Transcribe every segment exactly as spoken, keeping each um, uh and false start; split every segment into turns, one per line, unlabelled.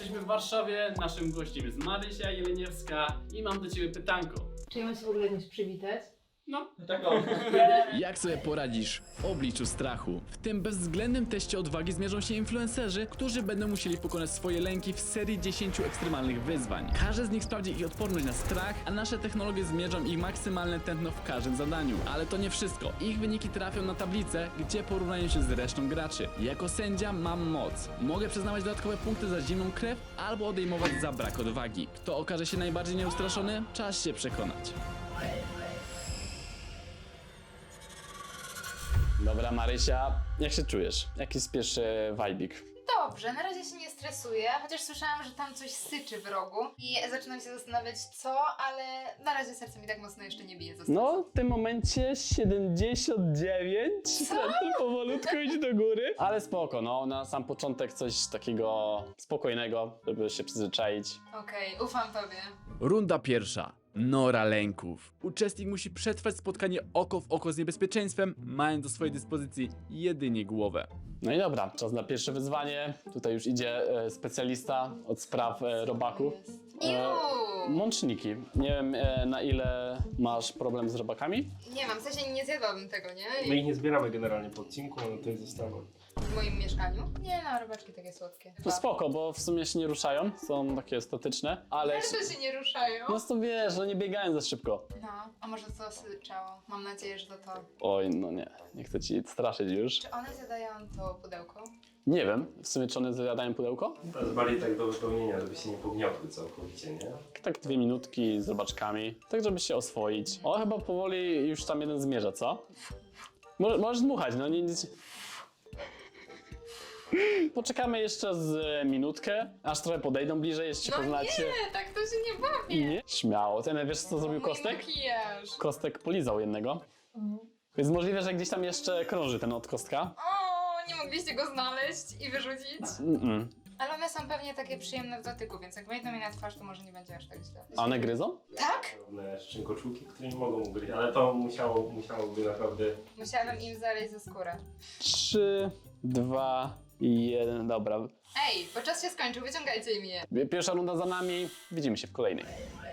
Jesteśmy w Warszawie, naszym gościem jest Marysia Jeleniewska i mam do ciebie pytanko.
Czy ja mam się w ogóle jakoś przywitać?
No,
Tak o.
Jak sobie poradzisz w obliczu strachu? W tym bezwzględnym teście odwagi zmierzą się influencerzy, którzy będą musieli pokonać swoje lęki w serii dziesięciu ekstremalnych wyzwań. Każdy z nich sprawdzi ich odporność na strach, a nasze technologie zmierzą ich maksymalne tętno w każdym zadaniu. Ale to nie wszystko. Ich wyniki trafią na tablicę, gdzie porównają się z resztą graczy. Jako sędzia mam moc. Mogę przyznawać dodatkowe punkty za zimną krew albo odejmować za brak odwagi. Kto okaże się najbardziej nieustraszony? Czas się przekonać. Dobra, Marysia, jak się czujesz? Jaki jest pierwszy wajbik?
Dobrze, na razie się nie stresuję, chociaż słyszałam, że tam coś syczy w rogu i zaczynam się zastanawiać co, ale na razie serce mi tak mocno jeszcze nie bije za stresu.
No, w tym momencie siedemdziesiąt dziewięć. Serce powolutku idzie do góry. Ale spoko, no, na sam początek coś takiego spokojnego, żeby się przyzwyczaić.
Okej, ufam tobie.
Runda pierwsza. Nora lęków. Uczestnik musi przetrwać spotkanie oko w oko z niebezpieczeństwem, mając do swojej dyspozycji jedynie głowę.
No i dobra, czas na pierwsze wyzwanie. Tutaj już idzie e, specjalista od spraw e, robaków.
Iu!
Mączniki. Nie wiem, e, na ile masz problem z robakami?
Nie mam, w sensie nie zjadłabym tego, nie?
My ich nie zbieramy generalnie po odcinku, one tutaj zostaną.
W moim mieszkaniu? Nie no, robaczki takie słodkie.
To spoko, bo w sumie się nie ruszają, są takie statyczne, ale...
Też się nie ruszają.
No to wiesz, że nie biegają za szybko.
No, a może to syczało? Mam nadzieję, że to to.
Oj, no nie, nie chcę ci straszyć już.
Czy one zjadają to pudełko?
Nie wiem, w sumie czy one zjadają pudełko?
To jest bardziej tak do wypełnienia, żeby się nie pogniotły całkowicie, nie?
Tak dwie minutki z robaczkami, tak żeby się oswoić. O, chyba powoli już tam jeden zmierza, co? Mo możesz dmuchać, no nie... nie... Poczekamy jeszcze z minutkę, aż trochę podejdą bliżej, jeszcze
No
poznacie.
nie, tak to się nie bawi.
Nie? Śmiało. Ten, wiesz co zrobił
Mój
Kostek?
makijaż.
Kostek polizał jednego. Więc możliwe, że gdzieś tam jeszcze krąży ten od Kostka.
O, nie mogliście go znaleźć i wyrzucić?
Mm-mm.
Ale one są pewnie takie przyjemne w dotyku, więc jak wejdą mi na twarz, to może nie będzie aż tak źle.
A one gryzą?
Tak?
Drobne szczękoczułki, które nie mogą ugryźć, ale to musiało, musiałoby naprawdę...
Musiałabym im zaleźć ze skórę.
Trzy, dwa, jeden, dobra.
Ej, bo czas się skończył, wyciągajcie im je.
Pierwsza runda za nami, widzimy się w kolejnej.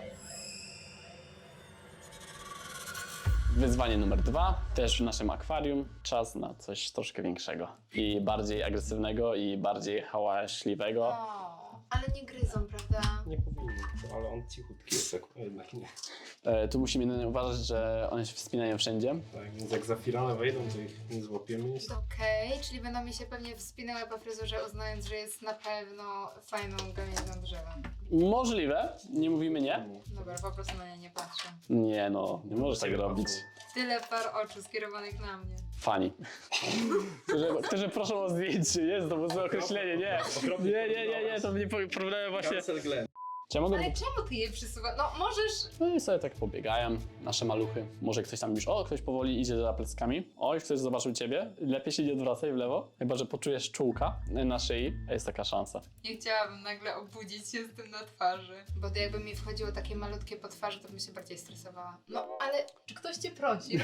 Wyzwanie numer dwa, też w naszym akwarium. Czas na coś troszkę większego. I bardziej agresywnego, i bardziej hałaśliwego.
O, ale nie gryzą, prawda?
Nie powinny, ale on cichutki jest, tak jednak nie.
E, tu musimy jedynie uważać, że one się wspinają wszędzie.
Tak, więc jak za firanę wejdą, to ich nie złapiemy.
Okej, czyli będą mi się pewnie wspinały po fryzurze, uznając, że jest na pewno fajną gałęzią drzewa.
Możliwe, nie mówimy nie.
Dobra, po prostu na nie nie patrzę.
Nie no, nie możesz tak robić.
Tyle par oczu skierowanych na mnie.
Fani. którzy, którzy proszą o zdjęcie, jest to złe określenie, nie. Nie, nie, nie, nie, to mnie problemy właśnie. Czy ja mogę...
Ale czemu ty je przysuwasz? No możesz...
No i sobie tak pobiegają nasze maluchy. Może ktoś tam już, o, ktoś powoli idzie za pleckami. Oj, ktoś zobaczył ciebie. Lepiej się nie odwracaj w lewo. Chyba że poczujesz czułka na szyi, a jest taka szansa.
Nie chciałabym nagle obudzić się z tym na twarzy. Bo to jakby mi wchodziło takie malutkie po twarzy, to bym się bardziej stresowała. No, ale czy ktoś cię prosi?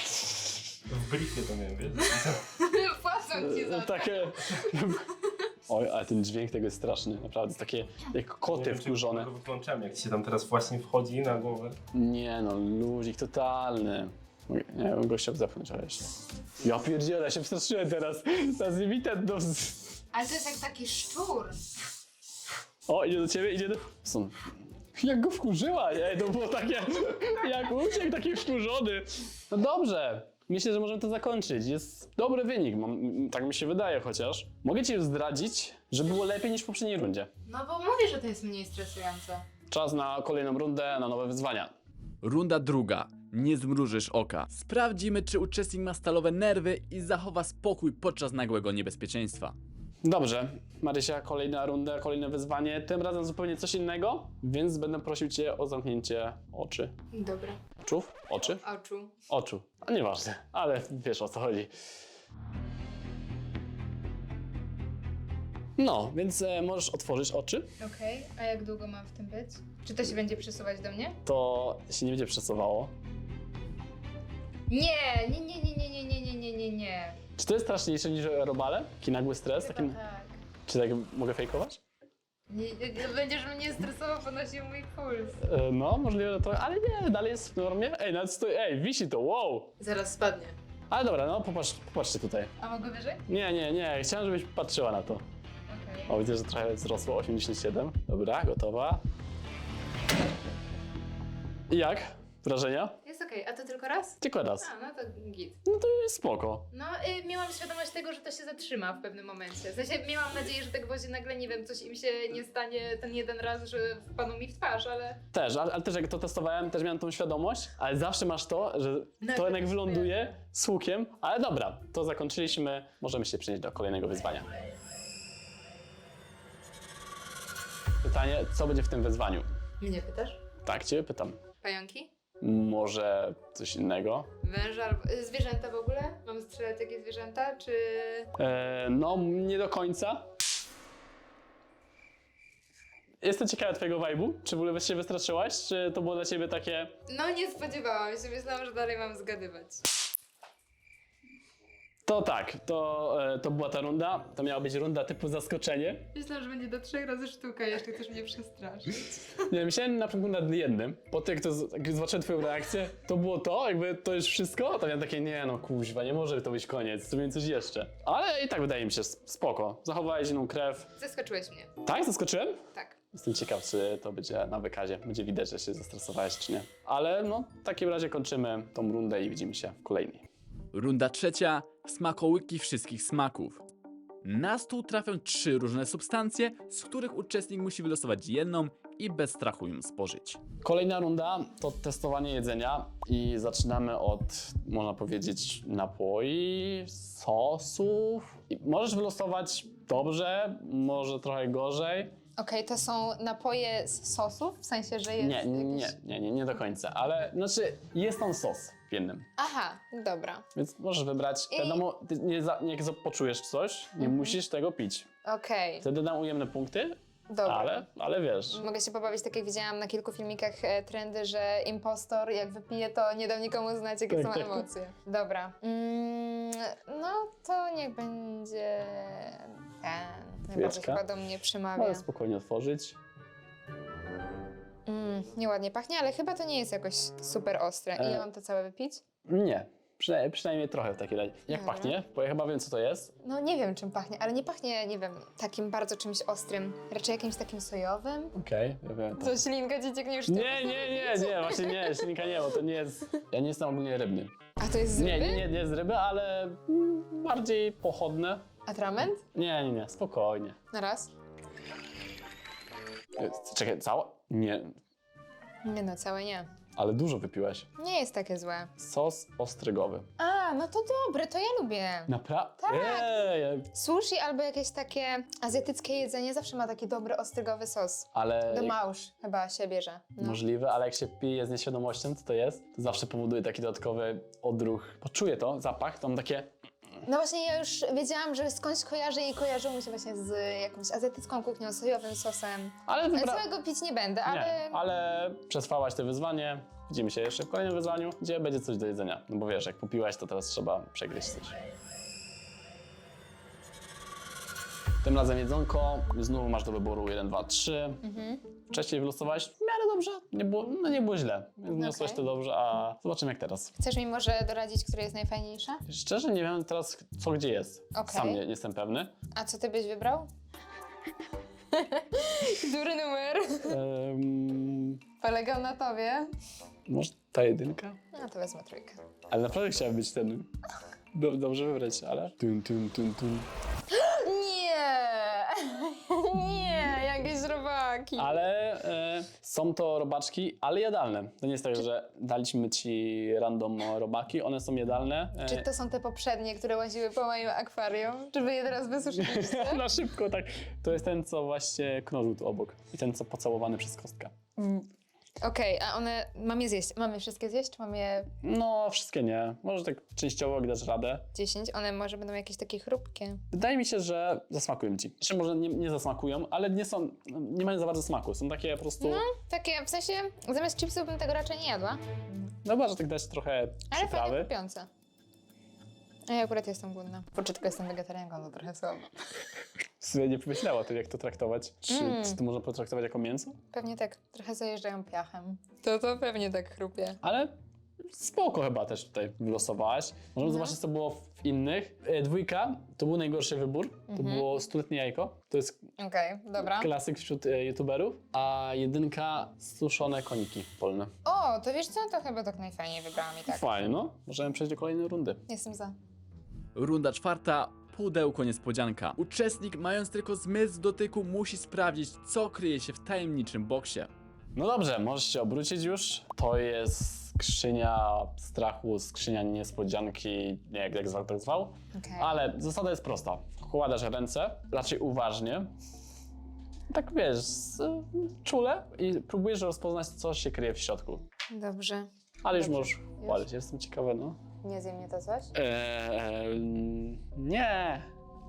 W briefie to miałem, wiesz?
Płacą ci za to.
Takie... Oj, ale ten dźwięk tego jest straszny, naprawdę. Jest takie jak koty wkurzone.
Go wyłączamy, jak ci się tam teraz właśnie wchodzi na głowę.
Nie no, luzik totalny. Nie wiem, gościa zepchnąć, ale jeszcze. Ja pierdzielę, ja się przestraszyłem teraz. Teraz nie widzę, no.
Ale to jest jak taki szczur.
O, idzie do ciebie, idzie do... Są... Jak go wkurzyła, nie? To było takie... Jak uciekł, taki wkurzony. No dobrze. Myślę, że możemy to zakończyć. Jest dobry wynik, mam, tak mi się wydaje chociaż. Mogę ci już zdradzić, że było lepiej niż w poprzedniej rundzie.
No bo mówię, że to jest mniej stresujące.
Czas na kolejną rundę, na nowe wyzwania.
Runda druga. Nie zmrużysz oka. Sprawdzimy, czy uczestnik ma stalowe nerwy i zachowa spokój podczas nagłego niebezpieczeństwa.
Dobrze, Marysia, kolejna runda, kolejne wyzwanie. Tym razem zupełnie coś innego, więc będę prosił cię o zamknięcie oczy.
Dobra.
Oczów? Oczy?
Oczu.
Oczu. A nieważne, ale wiesz o co chodzi. No, więc e, możesz otworzyć oczy.
Okej, a jak długo mam w tym być? Czy to się będzie przesuwać do mnie?
To się nie będzie przesuwało.
Nie, nie, nie, nie, nie, nie, nie, nie, nie, nie, nie.
Czy to jest straszniejsze niż robale? Taki nagły stres?
Chyba
Taki...
tak.
Czy tak mogę fejkować?
Nie, nie, nie będziesz mnie stresował, podnosił mój puls.
E, no, możliwe, że to, ale nie, dalej jest w normie. Ej, nawet stoi, ej, wisi to, wow.
Zaraz spadnie.
Ale dobra, no popatrz, popatrzcie tutaj.
A mogę wyżej?
Nie, nie, nie, chciałem, żebyś patrzyła na to.
Okej.
O, widzę, że trochę wzrosło, osiemdziesiąt siedem. Dobra, gotowa. I jak? Wrażenia?
Jest okej, a to tylko raz?
Tylko raz.
A, no to git.
No to jest spoko.
No, y, miałam świadomość tego, że to się zatrzyma w pewnym momencie. W sensie miałam nadzieję, że te gwoździe nagle, nie wiem, coś im się nie stanie ten jeden raz, że wpadną mi w twarz, ale...
Też, ale, ale też jak to testowałem, też miałem tą świadomość, ale zawsze masz to, że to
Nagle
jednak
coś
wyląduje z łukiem. Ale dobra, to zakończyliśmy. Możemy się przenieść do kolejnego wyzwania. Pytanie, co będzie w tym wyzwaniu?
Mnie pytasz?
Tak, ciebie pytam.
Pająki?
Może coś innego?
Węże albo... y, Zwierzęta w ogóle? Mam strzelać jakieś zwierzęta, czy...
E, no, nie do końca. Jestem ciekawa twojego vibe'u. Czy w ogóle się wystraszyłaś? Czy to było dla ciebie takie...
No, nie spodziewałam się. Myślałam, że dalej mam zgadywać.
To tak, to, e, to była ta runda. To miała być runda typu zaskoczenie.
Myślałam, że będzie do trzech razy sztuka, jeszcze chcesz mnie przestraszyć.
Nie, myślałem na przykład nad jednym. Po tym, jak, to, z- jak zobaczyłem twoją reakcję, to było to, jakby to już wszystko. To miałem takie, nie no kuźwa, nie może to być koniec, zrobimy coś jeszcze. Ale i tak wydaje mi się spoko. Zachowałeś inną krew.
Zaskoczyłeś mnie.
Tak, zaskoczyłem?
Tak.
Jestem ciekaw, czy to będzie na wykazie. Będzie widać, że się zestresowałeś, czy nie. Ale no, w takim razie kończymy tą rundę i widzimy się w kolejnej.
Runda trzecia. Smakołyki wszystkich smaków. Na stół trafią trzy różne substancje, z których uczestnik musi wylosować jedną i bez strachu ją spożyć.
Kolejna runda to testowanie jedzenia i zaczynamy od, można powiedzieć, napoi, sosów. I możesz wylosować dobrze, może trochę gorzej.
Okej, to są napoje z sosów? W sensie, że jest
Nie, nie,
jakiś...
nie, nie, nie do końca, ale znaczy jest tam sos w jednym.
Aha, dobra.
Więc możesz wybrać,
I-
wiadomo, ty nie, za, nie jak za- poczujesz coś, nie musisz tego pić.
Okej,
Wtedy dam ujemne punkty,
dobra.
ale, ale wiesz.
Mogę się pobawić, tak jak widziałam na kilku filmikach e, trendy, że impostor jak wypije, to nie da nikomu znać, jakie
Tak,
są
tak, tak.
emocje. Dobra. Mm, no to niech będzie ten. Najbardziej
Chwileczka.
chyba do mnie przemawia.
Możesz spokojnie otworzyć.
Mm, nieładnie pachnie, ale chyba to nie jest jakoś super ostre. Ile
E.
mam to całe wypić?
Nie, przynajmniej, przynajmniej trochę w takiej razie. Jak
Dobra.
pachnie? Bo ja chyba wiem, co to jest.
No nie wiem, czym pachnie, ale nie pachnie, nie wiem, takim bardzo czymś ostrym. Raczej jakimś takim sojowym.
Okej, ja wiem. To.
Co, ślinka ci cieknie już?
Nie, nie, nie, nie, właśnie nie, ślinka nie, bo to nie jest... Ja nie jestem ogólnie rybny.
A to jest z
Nie,
ryby?
nie, nie, nie z ryby, ale mm, bardziej pochodne.
Atrament?
Nie, nie, nie, spokojnie.
Na raz?
E, Czekaj, cała? Nie,
Nie no, całe nie.
ale dużo wypiłeś.
Nie jest takie złe.
Sos ostrygowy.
A, no to dobre, to ja lubię.
Naprawdę?
Tak.
Ej,
Sushi albo jakieś takie azjatyckie jedzenie zawsze ma taki dobry ostrygowy sos.
ale...
Do małż chyba się bierze. No.
Możliwe, ale jak się pije z nieświadomością, co to jest, to zawsze powoduje taki dodatkowy odruch. Poczuję to, zapach, to mam takie...
no właśnie ja już wiedziałam, że skądś kojarzę i kojarzyło mi się właśnie z jakąś azjatycką kuchnią, sojowym sosem.
Ale
Ale
wybra...
całego pić nie będę, ale...
Nie, ale przetrwałaś to wyzwanie. Widzimy się jeszcze w kolejnym wyzwaniu, gdzie będzie coś do jedzenia. No bo wiesz, jak popiłaś, to teraz trzeba przegryźć coś. Tym razem jedzonko. Znowu masz do wyboru jeden, dwa, trzy.
Mhm.
Wcześniej wylosowałeś w miarę dobrze. Nie było, no nie było źle. Więc wniosłeś
Okej.
to dobrze, a zobaczymy jak teraz.
Chcesz mi może doradzić, która jest najfajniejsza?
Szczerze nie wiem teraz, co gdzie jest.
Okej.
Sam nie, nie jestem pewny.
A co ty byś wybrał? Który numer?
Um,
Polegał na tobie.
może ta jedynka?
No to wezmę trójkę.
Ale naprawdę chciałem być ten. Do, dobrze wybrać, ale. Tun, tun, tun, tun.
Nie! Nie, jakieś robaki.
Ale e, są to robaczki, ale jadalne. To nie jest tak, że daliśmy ci random robaki, one są jadalne. E,
Czy to są te poprzednie, które łaziły po moim akwarium? Czy wy je teraz wysuszyliście?
Na szybko, tak. To jest ten, co właśnie knożył tu obok. I ten, co pocałowany przez kostkę.
Okej, a one... Mam je zjeść. Mam je wszystkie zjeść, czy mam je
No, wszystkie nie. Może tak częściowo, jak dasz radę.
dziesięć? One może będą jakieś takie chrupkie.
Wydaje mi się, że zasmakują ci. Znaczy, może nie, nie zasmakują, ale nie są, nie mają za bardzo smaku. Są takie po prostu...
No, takie, w sensie, zamiast chipsów bym tego raczej nie jadła.
No chyba, że tak dać trochę
Ale fajnie
przyprawy.
kupiące. A ja akurat jestem głodna. Kurczę, tylko jestem wegetarianką, to trochę słabo.
Sobie nie pomyślała o tym, jak to traktować. Czy,
Mm.
czy to można potraktować jako mięso?
Pewnie tak, trochę zajeżdżają piachem. To to pewnie tak chrupie.
Ale spoko chyba też tutaj wylosowałaś. Możemy
No.
zobaczyć, co było w innych. E, Dwójka to był najgorszy wybór. To
Mhm.
było stuletnie jajko. To jest
Okej, dobra.
klasyk wśród e, youtuberów. A jedynka suszone koniki polne.
O, to wiesz co? To chyba tak najfajniej wybrałam i tak.
Fajnie, no. Możemy przejść do kolejnej rundy.
Jestem za.
Runda czwarta. Pudełko niespodzianka. Uczestnik, mając tylko zmysł dotyku, musi sprawdzić, co kryje się w tajemniczym boksie.
No dobrze, możesz się obrócić już. To jest skrzynia strachu, skrzynia niespodzianki, nie jak, jak zwał, tak zwał.
Okej.
Ale zasada jest prosta. Wkładasz ręce, raczej uważnie. Tak wiesz, z, czule i próbujesz rozpoznać, co się kryje w środku.
Dobrze.
Ale już
Dobrze.
możesz chwalić, jestem ciekawy, no.
Nie zje mnie to coś?
Eee, nie.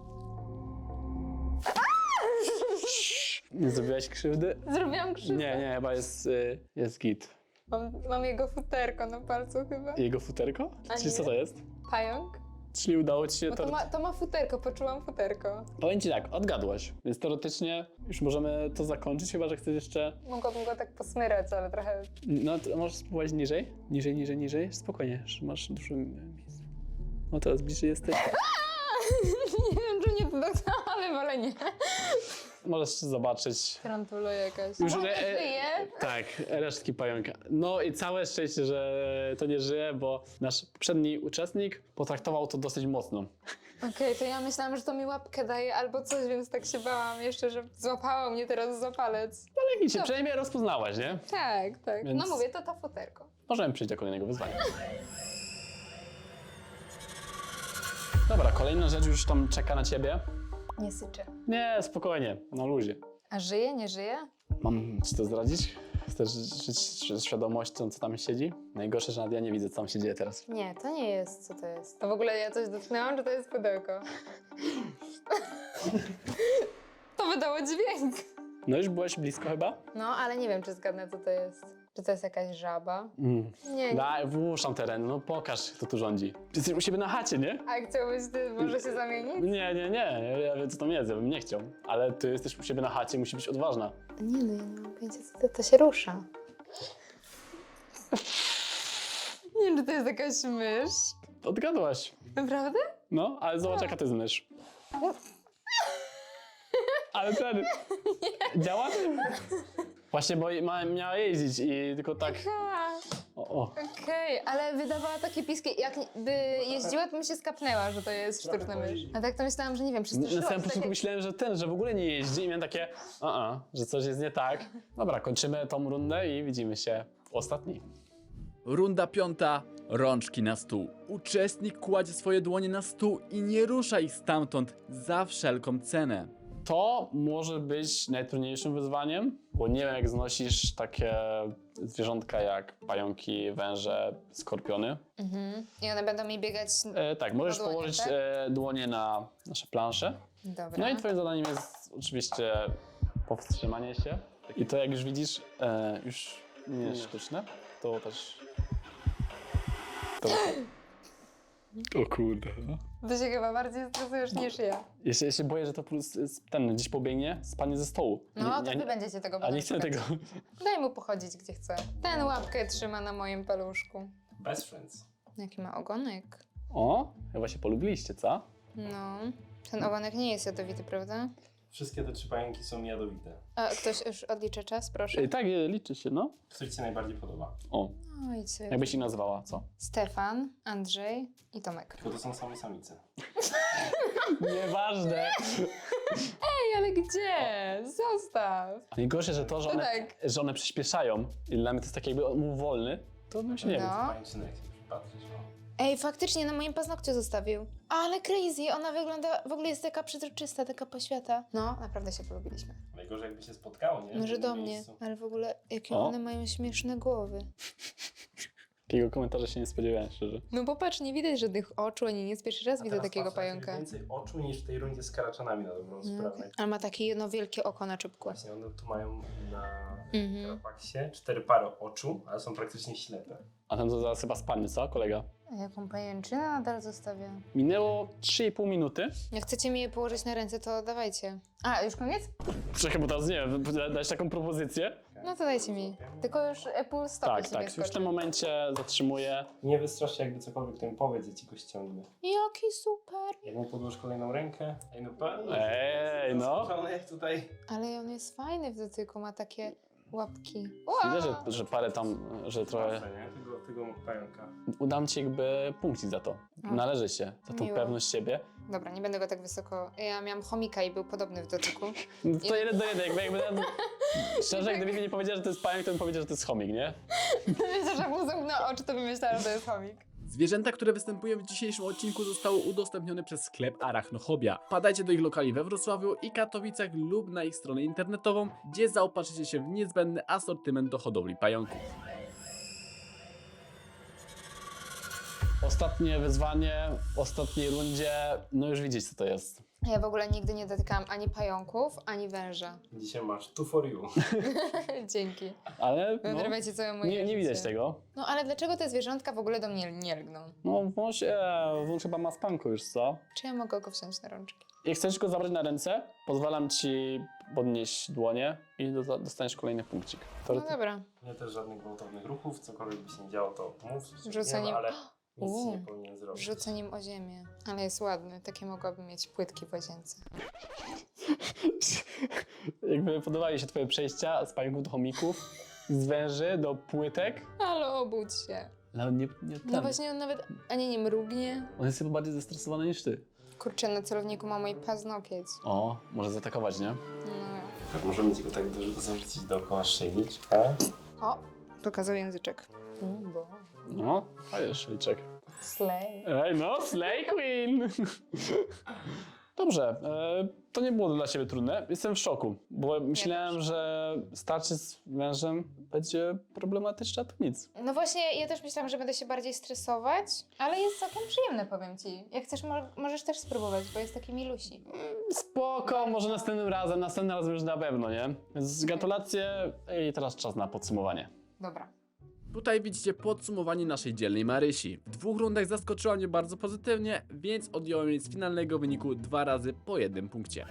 Nie zrobiłaś krzywdy?
Zrobiłam krzywdę.
Nie, nie, chyba jest, y, jest git.
Mam, mam jego futerko na palcu chyba.
Jego futerko?
A
Czyli
nie?
co to jest?
Pająk?
Czyli udało ci się
Bo
to...
to ma, to ma futerko, poczułam futerko.
Powiem ci tak, odgadłaś, więc teoretycznie już możemy to zakończyć, chyba że chcesz jeszcze...
Mogłabym go tak posmyrać, ale trochę...
No, to możesz spróbować niżej, niżej, niżej, niżej, spokojnie, że masz dużo miejsca. No teraz bliżej jesteś.
nie wiem, czy mnie to dotknęło, ale wolę nie.
Możesz zobaczyć.
Tarantula jakaś.
Już
O,
re- e-
żyje?
Tak, resztki pająka. No i całe szczęście, że to nie żyje, bo nasz poprzedni uczestnik potraktował to dosyć mocno.
Okej, to ja myślałam, że to mi łapkę daje albo coś, więc tak się bałam jeszcze, że złapało mnie teraz za palec.
Ale nic, się
Dobrze.
przynajmniej rozpoznałaś, nie?
Tak, tak.
Więc-
No mówię, to to futerko.
Możemy przejść do kolejnego wyzwania. Dobra, kolejna rzecz już tam czeka na ciebie.
Nie syczę.
Nie, spokojnie, na luzie.
A żyje, nie żyje?
Mam ci to zdradzić? Chcesz żyć z świadomością, co tam siedzi? Najgorsze, że nawet ja nie widzę, co tam się dzieje teraz.
Nie, to nie jest. Co to jest? To w ogóle ja coś dotknęłam, czy to jest pudełko? to wydało dźwięk.
No już byłeś blisko chyba?
No, ale nie wiem, czy zgadnę, co to jest. Czy to jest jakaś żaba?
Mm.
Nie, nie.
Daj, włóżam teren, no pokaż, kto tu rządzi. Jesteś u siebie na chacie, nie?
A chciałbyś ty może się zamienić?
Nie, nie, nie, ja wiem, co tam jest, ja bym nie chciał. Ale ty jesteś u siebie na chacie, musi być odważna.
Nie no, ja nie mam pojęcia, co to, to się rusza. Nie wiem, czy to jest jakaś mysz.
Odgadłaś.
Naprawdę?
No, ale zobacz, jaka to jest mysz. Ale ten... Działa? Właśnie, bo ma, miała jeździć i tylko tak...
Ha,
O, o.
okej, ale wydawała takie piski. Jakby jeździła, to mi się skapnęła, że to jest sztuczna mysz. A tak to myślałam, że nie wiem,
Na
przestraszyłam
samym
się.
początku
Tak
myślałem, że ten, że w ogóle nie jeździ i miałem takie, a, a że coś jest nie tak. Dobra, kończymy tą rundę i widzimy się w ostatniej.
Runda piąta. Rączki na stół. Uczestnik kładzie swoje dłonie na stół i nie rusza ich stamtąd za wszelką cenę.
To może być najtrudniejszym wyzwaniem, bo nie wiem, jak znosisz takie zwierzątka jak pająki, węże, skorpiony.
Mhm. I one będą mi biegać...
E, tak, możesz
dłonie,
położyć
tak?
e, dłonie na nasze plansze.
Dobra.
No i twoim zadaniem jest oczywiście powstrzymanie się. I to, jak już widzisz, e, już nie jest sztuczne, to też... To... O kurde.
Ty się chyba bardziej stresujesz niż ja.
Ja się, ja się boję, że to plus ten gdzieś pobiegnie, spadnie ze stołu.
No,
Nie-
to
nie-
wy będziecie tego
A
potem
nie chcę
szukać.
tego.
Daj mu pochodzić gdzie chce. Ten łapkę trzyma na moim paluszku.
Best friends.
Jaki ma ogonek.
O, chyba się polubiliście, co?
No. Ten ogonek nie jest jadowity, prawda?
Wszystkie te trzy pająki są jadowite.
A ktoś już odlicza czas, proszę.
Ej, tak, e, liczy się, no.
Który ci się najbardziej podoba?
O,
No i co?
jakbyś ich nazwała, co?
Stefan, Andrzej i Tomek.
Tylko to są same samice.
Nieważne.
Ej, ale gdzie? Zostaw.
Najgorsze, że to, że
To
one,
tak.
że one przyspieszają i dla mnie to jest tak jakby on był wolny, to bym się nie
No.
wiem.
Pajęczynek się przypatrzysz, no.
Ej, faktycznie na moim paznokciu zostawił. Ale crazy, ona wygląda, w ogóle jest taka przezroczysta, taka poświata. No, naprawdę się polubiliśmy.
Najgorzej jakby się spotkało, nie? W
Może
jednym
do mnie,
miejscu.
ale w ogóle jakie
O.
one mają śmieszne głowy.
Takiego komentarza się nie spodziewałem, szczerze.
No popatrz, nie widać żadnych oczu, ani nic. Pierwszy raz
A
widzę
teraz
takiego
patrz, macie
pająka.
więcej oczu niż w tej rundzie z karaczanami na dobrą
No,
sprawę.
okej. Ale ma takie jedno wielkie oko na czubku.
Właśnie one tu mają na
Mhm.
Karapaksie cztery pary oczu, ale są praktycznie ślepe.
A ten to zaraz chyba spadnie, co, kolega?
A jaką pajęczynę nadal zostawię?
Minęło trzy i pół minuty.
Jak chcecie mi je położyć na ręce, to dawajcie. A, już koniec?
Czekaj, bo teraz nie wiem, dać taką propozycję?
No to dajcie mi. Tylko już pół stopy
Tak,
sobie
tak, już w
skoczy.
tym momencie zatrzymuję.
Nie wystrasz się, jakby cokolwiek to mi powiedz, ja ci go ściągnę.
Jaki super!
Jak mu podłoż kolejną rękę, ej no pewnie.
Ej, no.
Zaskoczony tutaj.
Ale on jest fajny w dotyku, ma takie łapki.
Widzę, że, że parę tam, że trochę...
Proszę, nie? Tego, tego pająka.
Udam ci jakby punkcik za to. Należy się, za tą
Miło.
pewność siebie.
Dobra, nie będę go tak wysoko... Ja miałam chomika i był podobny w dotyku.
No to jeden do jeden, jakby, jakby szczerze, gdyby mi nie powiedział, że to jest pająk, to bym powiedział, że to jest chomik, nie?
Myślę, że jak mu zamknął oczy, to bym myślała, że to jest chomik.
Zwierzęta, które występują w dzisiejszym odcinku, zostały udostępnione przez sklep Arachnohobia. Wpadajcie do ich lokali we Wrocławiu i Katowicach lub na ich stronę internetową, gdzie zaopatrzycie się w niezbędny asortyment do hodowli pająków.
Ostatnie wyzwanie, w ostatniej rundzie, no już widzieć co to jest.
Ja w ogóle nigdy nie dotykałam ani pająków, ani węża.
Dzisiaj masz two for you.
Dzięki.
Ale no,
Wyrywajcie całe moje
nie, nie widać
życie.
tego.
No ale dlaczego te zwierzątka w ogóle do mnie nie lgną?
No wąż, e, wąż chyba ma spanku już, co?
Czy ja mogę go wziąć na rączki?
Jak chcesz go zabrać na ręce, pozwalam ci podnieść dłonie i do, dostaniesz kolejny punkcik.
No
Teorety-
dobra.
Nie też żadnych gwałtownych ruchów, cokolwiek by się nie działo, to mów.
Rzucę
nie
nim-
ma, ale nic
Uuu.
nie powinien zrobić.
Rzucę nim o ziemię. Ale jest ładny. Takie mogłabym mieć płytki w łazience.
Jakby podobały się twoje przejścia z pająków do chomików, z węży do płytek.
Ale obudź się.
Ale on nie, nie ten.
No właśnie on nawet ani nie mrugnie.
On jest chyba bardziej zestresowany niż ty.
Kurczę, na celowniku ma mój paznokieć.
O, może zaatakować, nie?
No.
Tak, możemy ci go tak do- zarzucić dookoła szyjniczka.
O, pokazał języczek. Mm, bo.
No, a jest szejczek.
Slay.
Ej, no, Slay Queen! Dobrze, e, to nie było dla ciebie trudne. Jestem w szoku, bo myślałem, że starcie z wężem będzie problematyczne, a to nic.
No właśnie, ja też myślałam, że będę się bardziej stresować, ale jest całkiem przyjemne, powiem ci. Jak chcesz, mo- możesz też spróbować, bo jest taki milusi.
Spoko, może następnym razem, następnym razem już na pewno, nie? Więc gratulacje i teraz czas na podsumowanie.
Dobra.
Tutaj widzicie podsumowanie naszej dzielnej Marysi. W dwóch rundach zaskoczyła mnie bardzo pozytywnie, więc odjąłem jej z finalnego wyniku dwa razy po jednym punkcie.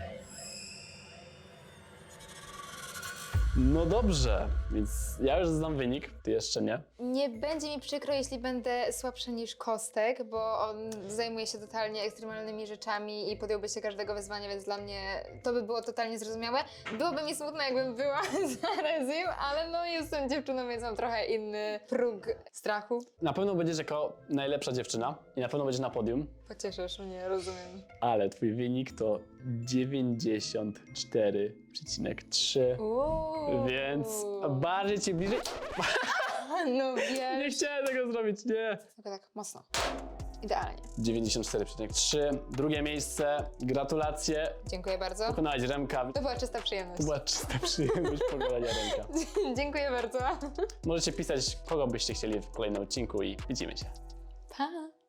No dobrze, więc ja już znam wynik, ty jeszcze nie.
Nie będzie mi przykro, jeśli będę słabsza niż Kostek, bo on zajmuje się totalnie ekstremalnymi rzeczami i podjąłby się każdego wyzwania, więc dla mnie to by było totalnie zrozumiałe. Byłoby mi smutno, jakbym była za Rezim, ale no jestem dziewczyną, więc mam trochę inny próg strachu.
Na pewno będziesz jako najlepsza dziewczyna i na pewno będziesz na podium,
Pocieszysz mnie, rozumiem.
ale twój wynik to dziewięćdziesiąt cztery przecinek trzy.
Uuu.
Więc bardziej ci bliżej.
No
Nie
wiesz.
chciałem tego zrobić, nie.
Tylko tak mocno. Idealnie.
dziewięćdziesiąt cztery przecinek trzy. Drugie miejsce. Gratulacje.
Dziękuję bardzo.
Pokonałeś Remka.
To była czysta przyjemność.
To była czysta przyjemność pokonania Remka.
Dziękuję bardzo.
Możecie pisać, kogo byście chcieli w kolejnym odcinku i widzimy się.
Pa!